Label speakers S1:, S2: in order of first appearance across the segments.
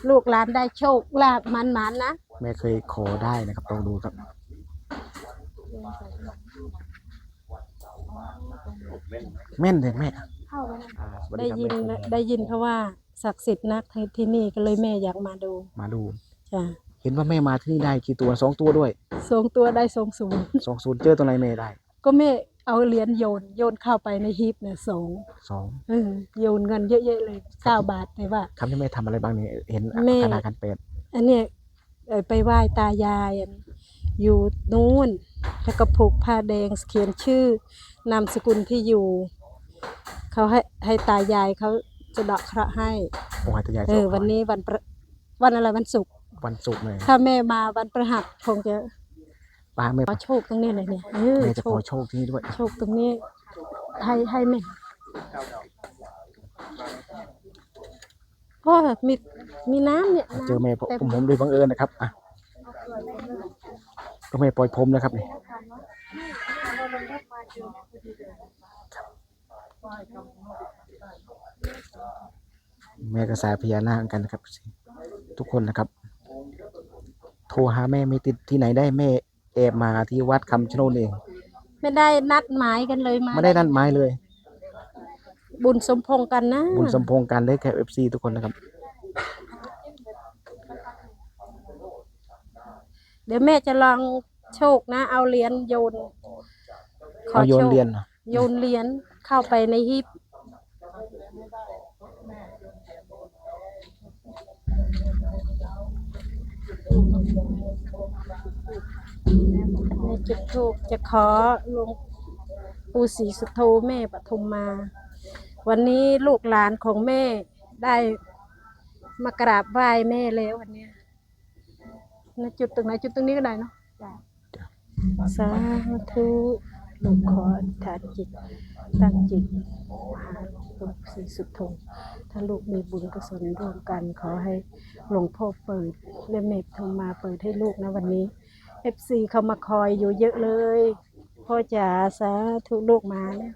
S1: ลูกหลานได้โชคลาภมันนะ
S2: แม่เคยขอได้นะครับลองดูครับแม่นเลยแม่สวัสดีครับแม่ผม
S1: ได้ยินเขาว่าศักดิ์สิทธิ์นักที่นี่ก็เลยแม่อยากมาดูจ้ะ
S2: เห็นว่าแม่มาที่นี่ได้กี่ตัว2 ตัวด้วย
S1: 2 ตัวได้20
S2: 20เจอตัวไหนแม่ได้
S1: ก็แม่เอาเหรียญโยนเข้าไปในฮีบเนี่ยสอง โยนเงินเยอะๆเลย9 บาทแต่ว่า
S2: คำที่แม่ทำอะไรบ้างเนี่ยเห็น
S1: แม่
S2: ธนาคารเป็ด
S1: อันเนี้ยไปไหว้ตายายอยู่นู้นแล้วก็ผูกผ้าแดงเขียนชื่อนามสกุลที่อยู่เขาให้ตายายเขาจะดอกเคราะห์ให้
S2: โอ้ยตายาย
S1: วันนี้วันอะไรวันศุกร์
S2: เลย
S1: ถ้าแม่มาวันพฤหัสคงจะ
S2: ป้าแม่
S1: ขอโชคตรงนี้เลยเนี่ย
S2: แม่จะขอโชคที่นี่ด้วย
S1: โชคตรงนี้ให้แม่ก็มีน้ำเนี่ย
S2: เจอแม่ผมโดยบังเอิญนะครับอ่ะก็แม่ปล่อยผมนะครับนี่แม่กระสายพญานาคกันนะครับทุกคนนะครับโทรหาแม่ไม่ติดที่ไหนได้แม่แอบมาที่วัดคำชะโนดเอง
S1: ไม่ได้นัดหมายกันเลย
S2: ไม่ได้นัดหมายเลย
S1: บุญสมพงษ์กันนะ
S2: บุญสมพงษ์กันได้แค่ FC ทุกคนนะครับ
S1: เดี๋ยวแม่จะลองโชคนะเอาเหรียญโยน
S2: โยนเหรียญ
S1: เข้าไปในฮีบในจุดทูปจะขอหลวงปู่ศรีสุโธแม่ปทุมมาวันนี้ลูกหลานของแม่ได้มากราบไหว้แม่แล้ววันนี้ในจุดตรงไหนจุดตรงนี้ก็ได้เนาะสาธุลูกขออธิษฐานจิตตั้งจิตหาหลวงปู่ศรีสุโธถ้าลูกมีบุญกุศลร่วมกันขอให้หลวงพ่อเปิดและแม่ปทุมมาเปิดให้ลูกนะวันนี้ FC เขามาคอยอยู่เยอะเลยพ่อจ๋าสาธุลูกมาแล้ว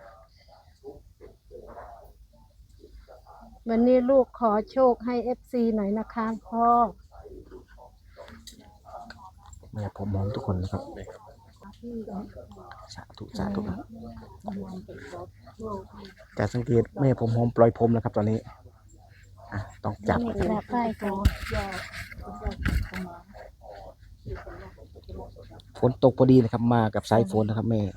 S1: วันนี้ลูกขอโชคให้ FC หน่อยนะคะพ่อ
S2: แม่ผมมองทุกคนนะครับสาธุแต่สังเกตแม่ผมหอมปล่อยผมนะครับตอนนี้ต้องจับฝนตกพอดีนะครับมากับสายฝนนะครับแม่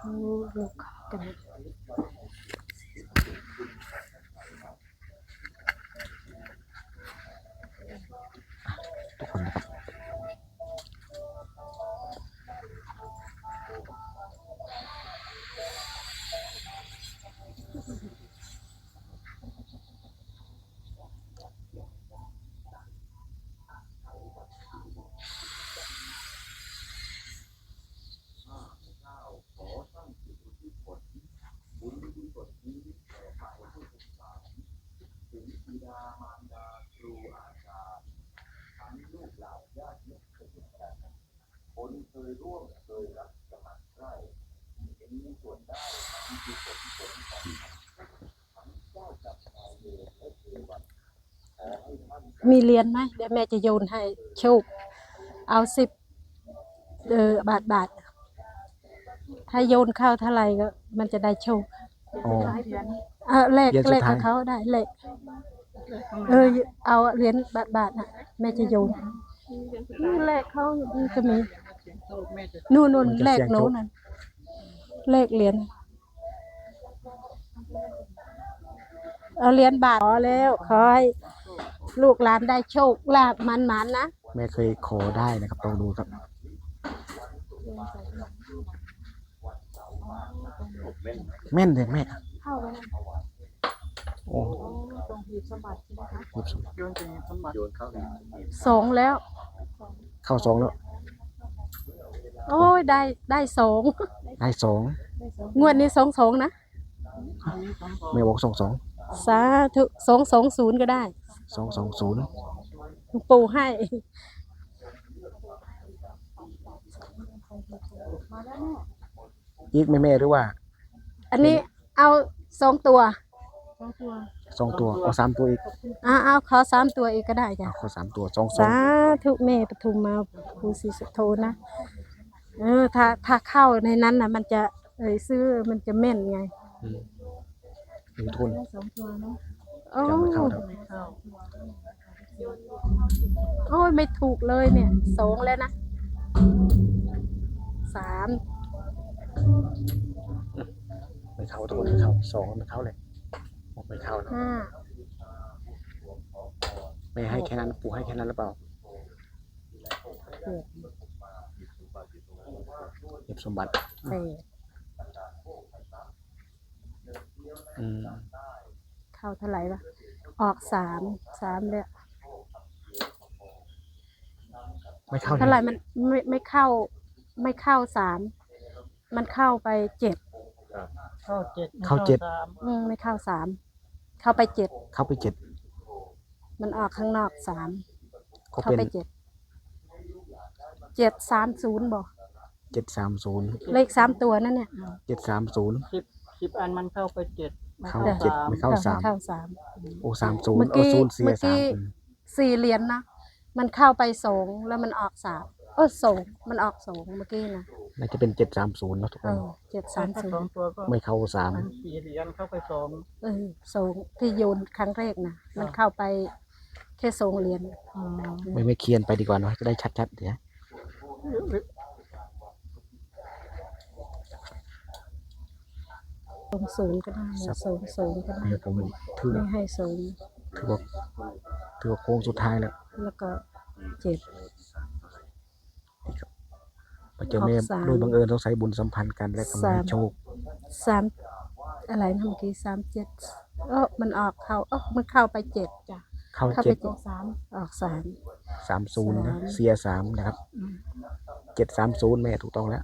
S2: ทุกคนนะครับ
S1: มีเหรียญไหมเดี๋ยวแม่จะโยนให้โชคเอา10 บาทถ้าโยนเข้าเท่าไหร่ก็มันจะได้โชคเลขของเขาได้เลขเอาเหรียญบาทนะแม่จะโยนเลขเขาจะมีนู่นเลขโน้นนั่นเลขเหรียญเอาเหรียญบาทขอแล้วขอให้ลูกหลานได้โชคลาภมันนะ
S2: แม่เคยขอได้นะครับลองดูครับแม่นเลยแม่โอ้
S1: 2แล้ว
S2: เข้า2แล้ว
S1: โอ้ยได้2งวดนี้22นะ
S2: แม่บอก22
S1: สาธุ220ก็ได้
S2: 220
S1: ปู่ให้
S2: อีกแม่หรือว่า
S1: อันนี้เอา2 ตัว
S2: 2 ตัวเอา3 ตัวอีก
S1: เอาขอ3 ตัวอีกก็ได้จ้ะ
S2: เอาขอ3 ตัว2
S1: สาธุแม่ปทุมมาภูศรีสุโธนะถ้าเข้าในนั้นน่ะมันจะซื้อมันจะแม่นไง
S2: มีทุน
S3: 2 ตัวเนาะ
S1: โอ้
S2: จะไม่เข้าครับ
S3: ไม่เข้า
S1: โอ้ยไม่ถูกเลยเนี่ย2แล้วนะ3
S2: ไม่เข้าทุกคนไม่เข้า2ไม่เข้าเลยไม่เข้านะ
S1: 5
S2: ไม่ให้แค่นั้นปู่ให้แค่นั้นหรือเปล่าเก็บสมบัติ
S1: 8 เข้าเท่าไหร่วะออก3เลย
S2: ไม่เข้า
S1: เท่าไหร่มันไม่เข้า3มันเข้าไป7
S3: เข้า7
S2: เข้า7
S1: ไม่เข้า3เข้าไป7
S2: เข้าไป7
S1: มันออกข้างนอก3
S2: ก็
S1: เข้า
S2: เป็น
S1: ไป7 730บอก
S2: 730
S1: เลข3 ตัวนั่นเนี่ย
S2: 730
S3: 10อันมันเข้าไป7ไม่
S2: เข้า
S3: เข้า
S2: 7ไม่เข้า
S1: เข้า
S2: 3โอ้30
S1: เมื่อ
S2: เอา
S1: กี้
S2: 0เสีย
S1: เมื่อกี้ 4 เหรียญนะมันเข้าไป2แล้วมันออก3 2มันออก2เมื่อกี้นะ
S2: น่าจะเป็น730เนาะทุกคน
S3: ถ้า2 ตัวก็
S2: ไม่เข้า
S3: มัน4เหรียญเข้าไป2
S1: 2ที่โยนครั้งแรกนะมันเข้าไปแค่2 เหรียญ
S2: 3ไม่เคียนไปดีกว่าเนาะจะได้ชัดๆเดี๋ยว
S1: 0ก็ได้0ก็ได้
S2: ให้ผมถือ
S1: ไม่ให้0
S2: ถือว่าโค้งสุดท้ายแล้ว
S1: แล้วก็7
S2: พระเจ้าแม่
S1: ออก3
S2: โดยบังเอิญต้องใช้บุญสัมพันธ์กันและก็มาให้โชค
S1: 3อะไรนะเมื่อกี้37มันออกมันเข้าไป7จ้ะ
S2: เข้า
S1: เข้า
S2: 7
S1: ไป7ออก3
S2: 30นะเสีย3นะครับ730แม่ถูกต้องแล้ว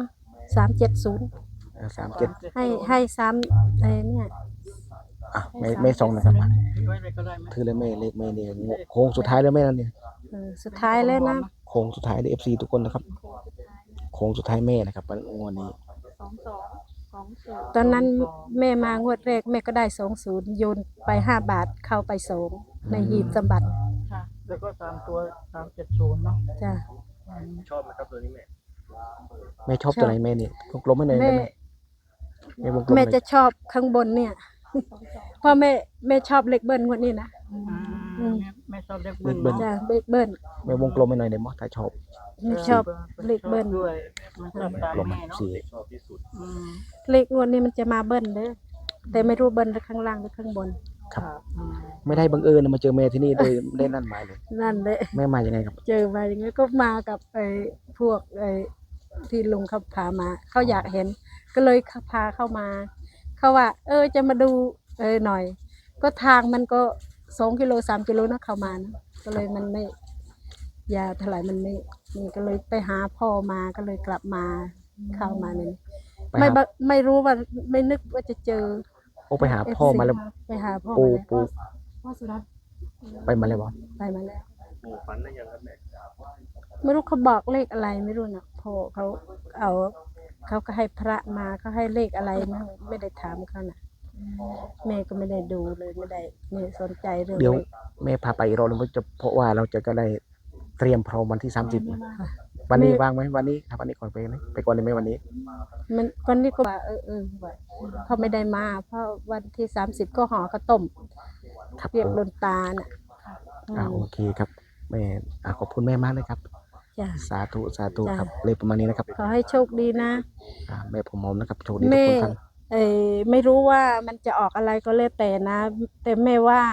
S1: 370
S2: 37
S1: ให้3เนี่ย
S2: อ่ะไม่ส่งนะครับ
S3: ถือไว้เลยก็ได้ไหม
S2: ถือเลยแม่เลขแม่เนี่ยโค้งสุดท้ายแล้วแม่นั่นเนี่ย
S1: สุดท้ายแล้วนะ
S2: โค้งสุดท้ายใน FC ทุกคนนะครับโค้งสุดท้ายแม่นะครับงวดนี้
S1: ตอนนั้นแม่มางวดแรกแม่ก็ได้20โยนไป5 บาทเข้าไป2ในหีบสมบัติ
S3: ค่ะแล้วก็3ตัว370เนาะ
S1: จ้ะ
S4: ชอบไหมครับตัวนี้แม่
S2: แม่ชอบตัวไหนแม่เนี่ยวงกลมให้หน่อยได้ไหมแม่วงกลมห
S1: แม่
S2: น่อย
S1: จะชอบข้างบนเนี่ย เพราะแม่ชอบเลขเบิ้ลงวดนี้นะ
S3: ไม่ชอบเลข
S2: เลขเบิ้ล
S1: จ้ะเลขเบิ้ล
S2: แม่วงกลมให้หน่อยได้มั้ยถ้าชอบ
S1: ไม่ชอบเลขเบิ้ล
S3: ด้วยมันชอบตาม
S2: กลม
S3: แม่เนาะ
S2: สี่
S4: ชอบที่สุด
S1: เลขงวดนี้มันจะมาเบิ้ลเด้อแต่ไม่รู้เบิ้ลหรือข้างล่างหรือข้างบน
S2: ครับไม่ได้บังเอิญนะมาเจอแม่ที่นี่โดยไม่ได้นั่นหมายเลย
S1: นั่นเลย
S2: แม่มายังไงครับ
S1: เจอมาอย่างงี้ก็มากับพวกที่ลุงเขาพามาเขาอยากเห็น ก็เลยพาเข้ามาเขาว่า จะมาดูหน่อย ก็ทางมันก็2 กิโล 3 กิโลนะเข้ามานะก็เลยมันไม่ยาวเท่าไหร่มันไม่นี่ก็เลยไปหาพ่อมาก็เลยกลับมาเข้ามาเนี่ย
S2: ไป
S1: ไม่
S2: หา
S1: บะไม่รู้ว่าไม่นึกว่าจะเจอ
S2: โอ้ไปหาพ่อมาแล้ว
S1: ไปหาพ่อ
S2: ปู
S1: มาแล้ว
S2: ปู
S3: พ่อสุรัตน์
S2: ไปมาแล้วบ่
S1: ไปมาแล้ว
S4: หมู่ฝันได้ยังครับแม่
S1: ไม่รู้เขาบอกเลขอะไรไม่รู้นะพ่อเขาก็ให้พระมาเขาให้เลขอะไรไม่ได้ถามเขานะแม่ก็ไม่ได้ดูเลยไม่ได้ไม่สนใจเรื่อง
S2: เดี๋ยว
S1: เลข
S2: แม่พาไปอีกรอบนึงจะเพราะว่าเราจะก็ได้เตรียมพร้อมวันที่30นะวันนี้ว่างไหมวันนี้ถ้าวันนี้ก่อนไปไหมไปก่อนได้ไหมวันนี้
S1: มันวันนี้ก็ว่าว่าเขาไม่ได้มาเพราะวันที่30ก็ห่อข้าวต้ม
S2: ครับ
S1: เรียกโดนตาน่ะ
S2: โอเคครับแม่ขอบคุณแม่มากเลยครับ
S1: จ้ะ
S2: สาธุสาธุ
S1: จ้ะ
S2: ครับเลยประมาณนี้นะครับ
S1: ขอให้โชคดีนะ
S2: แม่ผมมอมนะครับโชคดีทุก
S1: แม่
S2: คนครับ
S1: ไม่รู้ว่ามันจะออกอะไรก็แล้วแต่นะ แต่แม่ว่า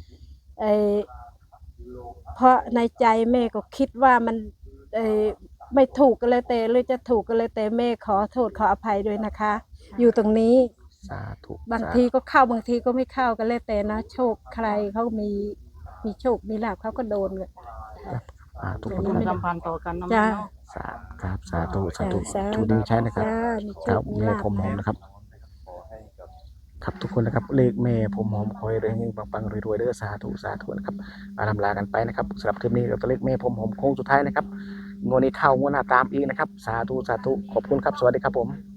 S1: เพราะในใจแม่ก็คิดว่ามันไม่ถูกก็แล้วแต่หรือจะถูกก็แล้วแต่แม่ขอโทษขออภัยด้วยนะคะ อยู่ตรงนี้
S2: สาธุ
S1: บางทีก็เข้าบางทีก็ไม่เข้าก็แล้วแต่นะโชคใครเขามีโชคมีลาภเขาก็โดนเลย
S2: ทุกค
S3: เป็น น
S2: ครับ
S3: สัมพันธ์ต่อกันเนาะ
S1: จ้ะ
S3: แม่เนาะ
S2: ครับสาธุสาธุ
S1: จ้ะ
S2: โชคดีใช่นะครับ
S1: จ้ามีโช
S2: ครับ
S1: คมี
S2: แม่
S1: ลาภ
S2: ผมหอม
S1: นะ
S2: นะครับ ครับทุกคนนะครับเลขแม่ผมหอมคอยเรื่องปังๆรวยๆเด้อสาธุสาธุนะครับมาทำลากันไปนะครับสำหรับคลิปนี้กับตัวเลขแม่ผมหอมโค้งสุดท้ายนะครับงวดนี้เข้างวดหน้าตามอีกนะครับสาธุสาธุขอบคุณครับสวัสดีครับผม